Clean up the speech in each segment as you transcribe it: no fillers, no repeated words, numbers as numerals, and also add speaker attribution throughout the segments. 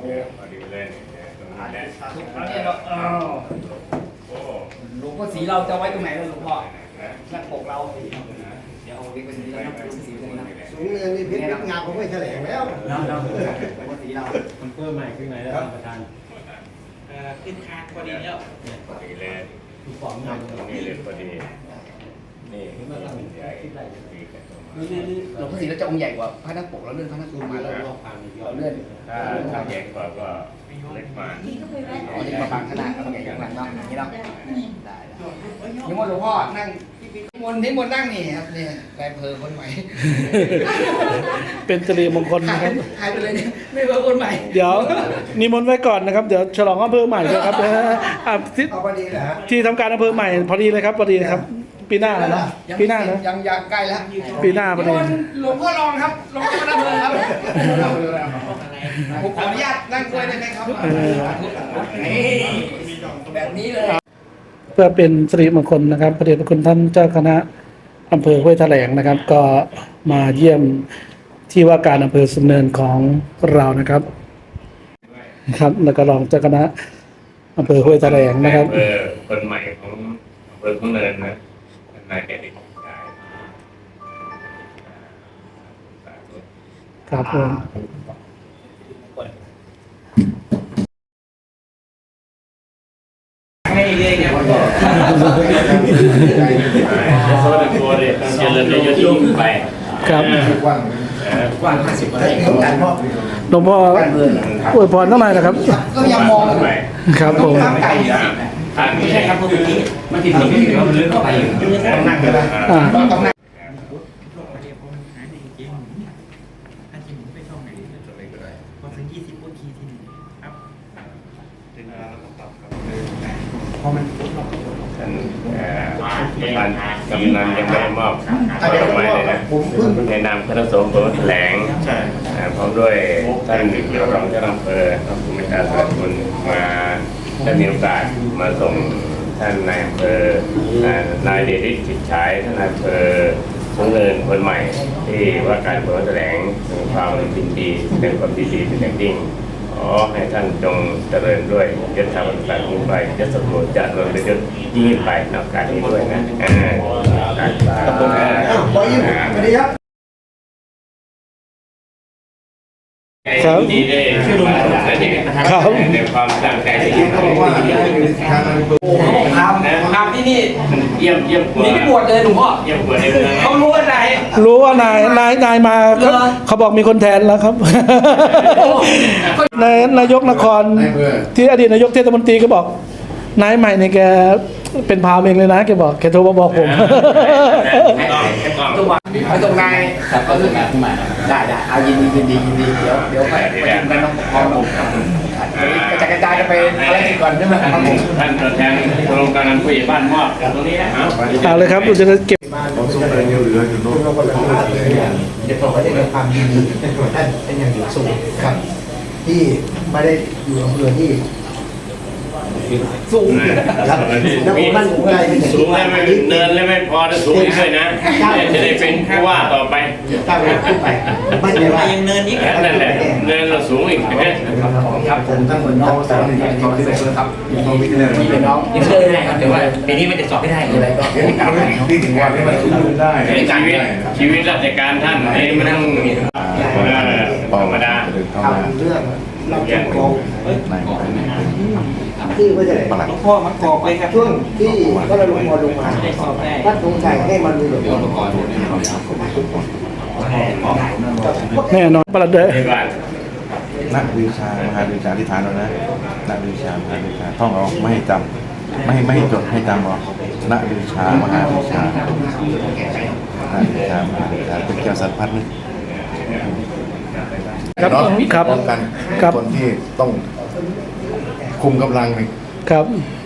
Speaker 1: พอดีเลยตรงนี้แหละ
Speaker 2: เนี่ยเราหลวงพ่อศรีเราจะไว้ตรงไหนล่ะหลวงพ่อหน้าปกเราเดี๋ยวเอาเล็กไปตรงนี้แล้วนะหลวงพ่อศรีตรงนี้นะ
Speaker 3: สูงเนินนี่เพชรงามผมไม่แถลงแล้ว
Speaker 2: หลวงพ่อศรีเรา
Speaker 4: มันเพิ่มใหม่ขึ้นไหนแล้วประธาน
Speaker 5: ขึ้นคางพอดีแล้ว
Speaker 1: พอดีเลย
Speaker 4: ทุกของใหม่
Speaker 1: ตรงนี้เลยพอดีนี่ใหญ่ดีกันตรงมา
Speaker 2: หลวงพ่อศรีเราจะองค์ใหญ่กว่าพระหน้าปกเราเลื่อนพระหน้าปกมาแล้วเราเลื่อน
Speaker 1: ถ้าใหญ่กว่าก็เล็กมา
Speaker 2: อ๋อนี่มาบางขนาดเราใหญ่ข้างหลังเนาะอย่างนี้เนาะได้นิมนต์หลวงพ่อนั่งนิมนต์นั่งนี่ครับนี่นายอำเภอคนใหม่
Speaker 6: เป็นสิริมงคลนะครับ
Speaker 2: หายไปเลยเนี่ยไม่เบอร์คนใหม่
Speaker 6: เดี๋ยวนิมนต์ไว้ก่อนนะครับ เดี๋ยวฉลองอำเภอใหม่ด้วยครับที่
Speaker 3: เอาพอดีเหรอฮะ
Speaker 6: ที่ทำการอำเภอใหม่พอดีเลยครับพอดีครับ ปีหน้านะปีหน้านะ
Speaker 2: ยังใกล้แล้ว
Speaker 6: ปีหน้าพอดี
Speaker 2: หลวงพ่อรองครับรองเจ้าคณะอำเภอครับผมขออนุญาตนั่งด้วยได้ไหมครับแบบนี้เลย
Speaker 6: เพื่อเป็นสิริมงคลนะครับพระเดชพระคุณท่านเจ้าคณะอำเภอห้วยแถลงนะครับ ก็มาเยี่ยมที่ว่าการอำเภอสุนเนินของเรานะครับครับแล้วก็รองเจ้าคณะอำเภอห้วยแถลงนะครับ
Speaker 1: คนใหม่ของอำเภอทุ่งเนินนะนายเด็กชาย
Speaker 6: ครับผม
Speaker 5: ให้เรียนเนี่ยก็
Speaker 1: โซนตัวเลยเจริญยศยิ่งไป
Speaker 6: ครับ
Speaker 2: กว้าง50กว่าไร่
Speaker 3: การมอบ
Speaker 6: หลวงพ่ออวยพรเท่าไหร่นะครับ
Speaker 2: ก็ยังมอง
Speaker 1: ไป
Speaker 6: ครับผม
Speaker 2: ตั้งใจ
Speaker 1: ทาง
Speaker 5: ไม่
Speaker 1: นี้
Speaker 5: ใช่ครับพวกนี้มันติดสิ่งที่เหลือมันลึกเข้าไปอยู่
Speaker 1: ต้องนั่งเลย
Speaker 6: อ่า
Speaker 2: ต้องนั่ง
Speaker 5: ถ้าจะหมุนไปช่องไหนพอถึง20ก็คีย์ทีนึงครับ
Speaker 3: พอมัน
Speaker 1: ท่านประธานกำนันยังไม่ได้มอบดอกไม้เลยนะในนามคณะสงฆ์ผมแถลงพร้อมด้วยท่านรองเจ้าอำเภอท่านผู้มีการสนับสนุนมาได้มีโอกาสมาส่งท่านนายอำเภอนายเดชฤทธิ์จิตฉายท่านนายอำเภอสูงเนินคนใหม่ที่ว่าการเปิดแถลงถึงความยินดีเป็นความดีเป็นอย่างยิ่งขอให้ท่านจงเจริญด้วยยศธรรมศาสตร์ยิ่งไปยศสมบูรณ์จะเริญยศยิ่งไปในโอกาสนี้ด้วยนะขอบคุณค
Speaker 3: ขอยิ้มสวัสดีครับ
Speaker 6: ครับ
Speaker 1: ดีได้ช่วยดูแลในความตั้งใจที่ยิ่ง
Speaker 3: เขาบอกว่าทางอำเภอ
Speaker 2: ทำที่นี่
Speaker 1: เยี่ยม
Speaker 2: นี่พี่บวชเลยหลวงพ่อ
Speaker 1: เยี่ยมกว่าในเมือง
Speaker 2: เขารู้อะไร
Speaker 6: รู้ว่านายมาเขาบอกมีคนแทนแล้วครับ นายกนครที่อดีตนายกเทศมนตรีก็บอกนายใหม่เนี่ยแกเป็นพรามเองเลยนะแกบอกแกโทรมาบอกผม
Speaker 2: ไปตรงนายก็ถึงงานขึ้นมาได้เอายินดีเดี๋ยวไปประชุมกันต้องพร้อมผมกระจายกันไปอะไรก่อนใช่ไหมครับผม
Speaker 1: ท่านตัวแทนโครงการผู้ใหญ่บ้านมอบตรงนี้นะ
Speaker 6: เอาเลยครับเราจะเก็บ
Speaker 3: ผมสูงเลยเหลืออยู่โน้นเราก็เลยเดี๋ยวผมไม่ได้ในความยินดีท่านเป็นอย่างสูงครับ ที่ไม่ได้อยู่อำเภอที่สูงครับแล้วผมมั่นใจเป็นอย่าง
Speaker 1: สูงแล้วไม่เนินแล้วไม่พอจะสูงอีกด้วยนะจะได้เป็นผู้ว่าต่อไป
Speaker 3: ก้าวขึ้นไปมั่นใจว่า
Speaker 5: ยังเนินนี้
Speaker 1: นั่นแหละเนินเราสูงอีก
Speaker 3: ครับผมทั้งหมดน้องสาวหนึ่งที่ครับที่เป็นน้อง
Speaker 5: ยังเชื่อได้ครับแต่ว่าปีนี้มันจะสอบไม่ได้อะไรก็
Speaker 3: ที่ถึงวันที่มันสูงได้
Speaker 1: ชีวิตราชการท่านนี่มันต้องธรรมดา
Speaker 3: ทำเรื่องเราจะโกงที่ไม่ใช่
Speaker 5: หลวงพ่อมันกรอกเลยครับ
Speaker 3: ช่วงที่ก็เราลงมาท่านสงสัยให้มันมีแบบ
Speaker 6: แน่นอนประหลัดเด้อ
Speaker 1: ในบ้าน
Speaker 7: นักวิชามหาวิชาที่ฐานเรานะนักวิชามหาวิชาท่องเอาไม่ให้จำไม่ให้จดให้จำเอานักวิชามหาวิชานักวิชามหาวิชาเป็นแก้วสัตว์พัดนึก
Speaker 6: ครับครับ
Speaker 7: ป้องกัน
Speaker 6: ครับ
Speaker 7: คนที่ต้องคุมกำลังใน
Speaker 6: ครับ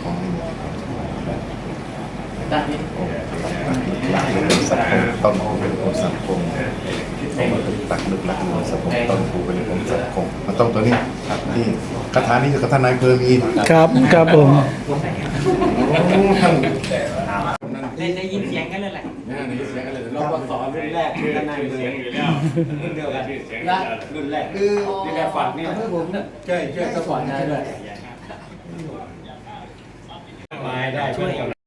Speaker 7: ต้นคูเป็นองค์สังคมตักลึกหลักหนึ่งสังคมต้นคูเป็นองค์สังคมมันต้องตัวนี้ที่คาถานี้คือคาถานายเพอมี
Speaker 6: ครับครับผม
Speaker 5: ได้ยินเสียงกันเลยแหละ
Speaker 7: นี่เสียงอะไร
Speaker 3: ครับ
Speaker 4: สอนรุ่นแรก
Speaker 1: ชื่อ
Speaker 4: ด้านในเล
Speaker 1: เสีย
Speaker 4: ย
Speaker 1: งอยู่แล้ว
Speaker 4: รุ่นเดียวกัน
Speaker 1: ชื่อเสียงอยู่แล้ว
Speaker 4: รุ่นแรก
Speaker 3: คือ
Speaker 4: นี่แหละฝักนี่
Speaker 3: อำเภอผมใช่
Speaker 4: สอนได้ด้วย
Speaker 5: ช่วย